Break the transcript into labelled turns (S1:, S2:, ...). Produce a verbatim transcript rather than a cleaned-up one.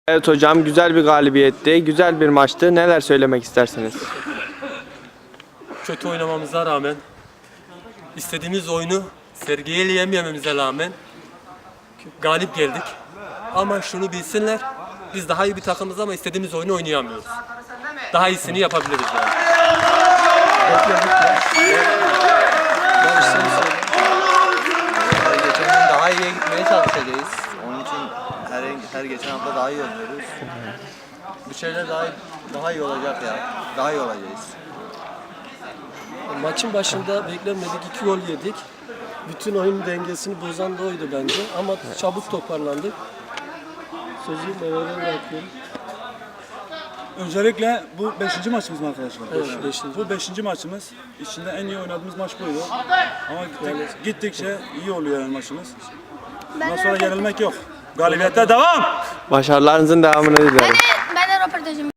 S1: Evet hocam, güzel bir galibiyetti, güzel bir maçtı. Neler söylemek istersiniz?
S2: Kötü oynamamıza rağmen, istediğimiz oyunu sergileyemememize rağmen galip geldik. Ama şunu bilsinler, biz daha iyi bir takımız ama istediğimiz oyunu oynayamıyoruz. Daha iyisini yapabiliriz yani.
S3: Geçen gün daha iyiye gitmeye çalışacağız. Onun için her her geçen hafta daha iyi oynuyoruz. Bu şeyler daha daha iyi olacak ya. Daha iyi olacağız.
S4: Maçın başında beklenmedik iki gol yedik. Bütün oyun dengesini bozan da oydu bence. Ama çabuk toparlandık. Sözü Mehmet'e bırakıyorum.
S5: Öncelikle bu beşinci maçımız mı arkadaşlar?
S4: Evet, beşinci.
S5: Bu beşinci maçımız. İçinde en iyi oynadığımız maç buydu. Ama gittik, gittikçe iyi oluyor yani maçımız. Bundan sonra yenilmek yok. Galibiyete devam!
S1: Başarılarınızın devamını dilerim.
S6: Ben de, ben de röportajım.